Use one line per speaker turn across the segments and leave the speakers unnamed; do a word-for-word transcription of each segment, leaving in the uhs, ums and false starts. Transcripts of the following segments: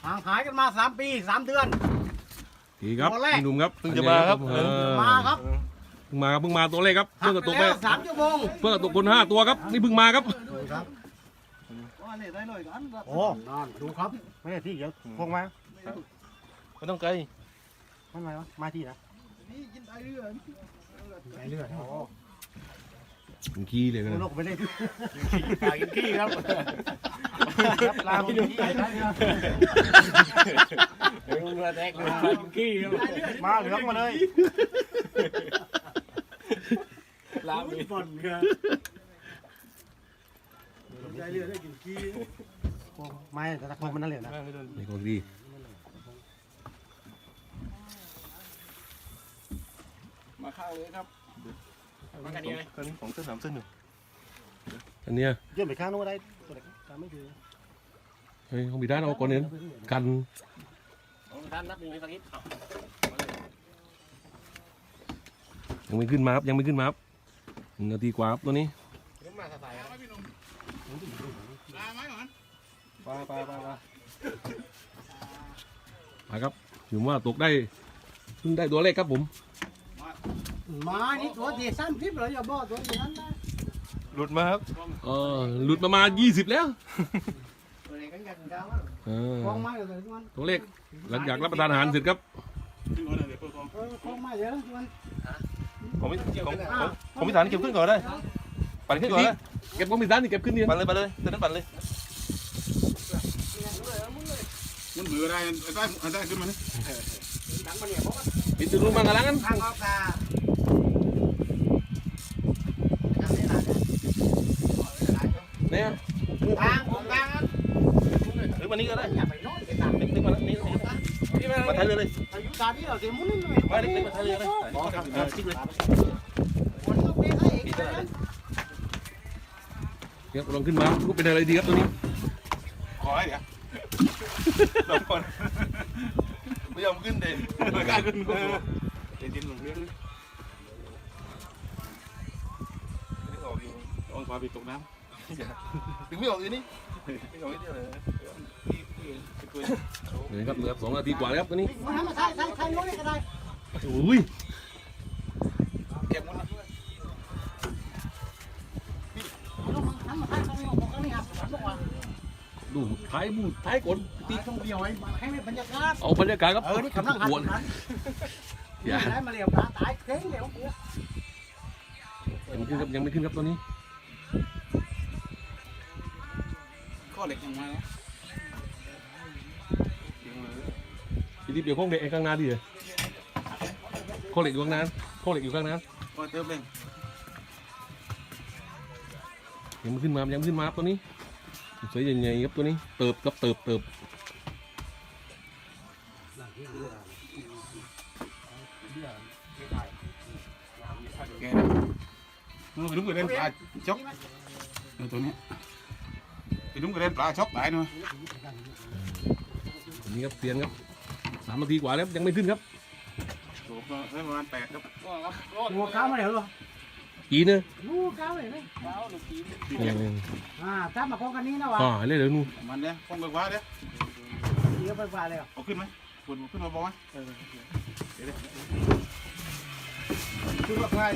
ห่างหายกันมาสามปีสามเดือน
ดีครับพี่หนุ่มครับ
เพิ่งจะมาครับ
เออ
มาครับ
เพิ่งมาเพิ่งมาตัวเลขครับเพิ่งกระตุกไป
แล้วสามชั่วโมง
เพิ่งกระตุกคนห้าตัวครับนี่เพิ่งมาครับ
โอ้นอนดูครับ
ไม่ใช่ที่เดี๋ยวพงมา
ไม่ต้องไกล
มันมาวะมาที่นะ
ไปเรื่อยโอ้
ผมขี้เลยนะ
โลกไปเลย
ปลากินขี้ครับ
ลาไปดูที่ไหนได้เนี่ย
เรือแตกเลยปลากินขี้ครับ
มาเหลืองมาเลย
ลาไปบ่นครับใจเรือได้กินขี้
ไม่แต่ตะโกนมันนั่นเลยนะ
นี่ของดี
มาข้าวเลยครับมากัน
นี้
นี้เลย
ตอนนี้ของเส้นสามเส้นหนึ่ง
อันเนี้ย
ยื่นไปข้างโน้นได้ตัวไหนตามไม่ถือ
เฮ้ยเขามีด้านเอาก่อนเนี่ยกัน
ท่านนับหนึ่งในสักนิด
ยังไม่ขึ้นมาครับยังไม่ขึ้นมาครับหนึ่งนาทีกว่าครับตัวนี้
มาสายครับ
ไปไปไปไป
มาครับถือว่าตกได้เพิ่งได้ตัวเลขครับผม
มานี่ตัวที่สามสิบเลยอย่าบอกตัวที่นั้นนะ
หลุดมาครับ
เออหลุดประมาณยี่สิบแล้ว
ตัวไหนกันกันกัน
เออ
คล้องไม้เลยทุกคน
ตัวเลขหลังจากรับประทานอาหารเสร็จครับ
เออคล้องไม้เยอะทุกคน
ของพี่ของของของพี่ฐานเก็บขึ้นก่อนได้ปั่นขึ้นก่อนได้
เก็บของมีด้านนี่เก็บขึ้นเนี่ย
ปั่นเลยปั่นเลยเส้นนั้นปั่นเลย
มันเบื่ออะไรได้ได้ขึ้นมาเนี่ย
ปิดจุดลงมากระลังกัน
ข้างออกตา
เนี่ย
ทางผมทางครับ
หรือวันนี้ก็ได้
อย่าไปโน้ตไปตาม
นึกนึกมาแล้วนี่นี่มาไทยเลยเลย
อายุตาที่เราเสียมุ้งนี่
มานึกนึกมาไทยเลยเลยติ๊กเลย
คนต้องเป็นให้เอง
ปิด
นะ
เลย
เดี๋ยวลองขึ้นมารูปเป็นอะไรดีครับตัวนี้
ขอให้เดี๋ยว
สองคนไม่ยอมขึ้นเด่นไม่กล้าขึ้นกู
เดี๋ยวจิ้มลงเรื่อง
นี่ออกอยู่
ต้องพาไปตกน้
ถึงไม่ออกอยู่นี่ไม่ออกที่เลย
เดี๋ยวครับเหลือสองนาทีกว่าแล้วครับตัวนี้
มันทำมาใช้ใช้ใช้น้อยก็ได้
โอ้ย
เก็บมัน
ทำมาใช้ตรงนี้ของเขานี่ครับบอกว่า
ดูท้ายบูดท้ายกล
ตีตรงเดียวให้ให้บรรยากาศ
เอาบรรยากาศครับ
เออนี่กำลังหัน
กวน
หัน
อย่า
ได้มาเรียวตาตายเข่งเดี๋ยวกู
ยังไม่ขึ้นครับยังไม่ขึ้นครับตัวนี้
ำข้อเหล็กยังมาแล้ว
พี่ดิบเดี๋ยวข้องเด็กข้างหน้าดิเลยข้อเหล็กอยู่ข้างหน้าข้อเหล็กอยู่ข้างหน้า
ก็เติมเลย
ยังไม่ขึ้นมายังไม่ขึ้นมาครับตัวนี้สวยใหญ่ๆครับตัวนี้เติบครับเติบเติบ
แกนู่นไปดุ้งกระเด็นปลาช็อกตัวนี้ไปดุ้งกระเด็นปลาช็อกตายหน่อย
ตัวนี้ครับเตียนครับสามนาทีกว่าแล้วยังไม่ขึ้นครับ
โอ้โหประมาณแปดครับ
หัวก้าวมาเดี๋ยวหรอ
กี่เนอะ
ลูกก้าวเลยนะ
ยังยัง
อ่าถ้ามาคล้องกันนี้นะวะ
อ่าเรื่อยๆนู่น
มันเนี่ยป้องกันว่าเดี๋ยว
เดี๋ยวไปฝ่าเลย
เอาขึ้นไหมปวดขึ้นมาบ้างไหมเดี๋ยวขึ้นมาใคร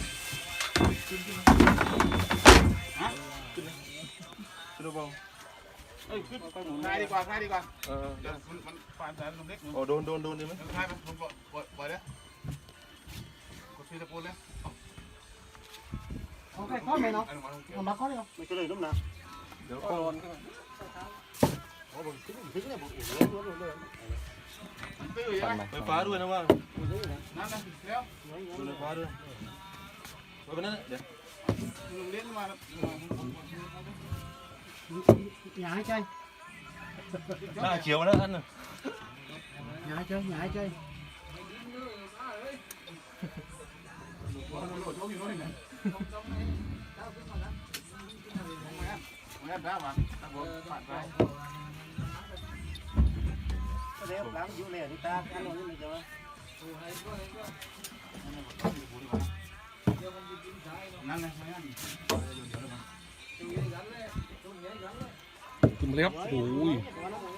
ฮะขึ้นขึ้นมาบ้างเอ้ยขึ้นง่ายดีกว่าง่ายดีกว่า
เออ
เดี๋ยวมันมันผ่านแต่ลมเล็ก
โอ้โดนโดนโดนดีไหม
ง่ายไหมผมปล่อยปล่อยปล่อยแล้วกดชื่อตะโกนแล้ว
โอเคข้อไหนเนาะเอามาข้อเดียว
ไม่ก็เลยล้มนะ
เดี๋ยวโอนขึ้น
โอ้โหถึงถึงเนี่ยผมโอ้โหล้มเลย
ตื้อยังไง
ไฟฟ้าด้วยนะว่า
นั่นนะแล้ว
ดูไฟฟ้าด้วยไว้นั่นเดี๋ยว
ลมเล็กมาแล้ว
อย่าให้ใจ
หน้าเขียวแล้วท่านน่ะ
อย่าให้ใจอย่าให้ใจ
แม่พระมาตะโกนผ่านไป
เร็วล้างอยู่เลยนี่ตาอันนู้นนี่เดี๋ยว
นั่นไง
ขึ้นมาเลยครับโอ้ย
เ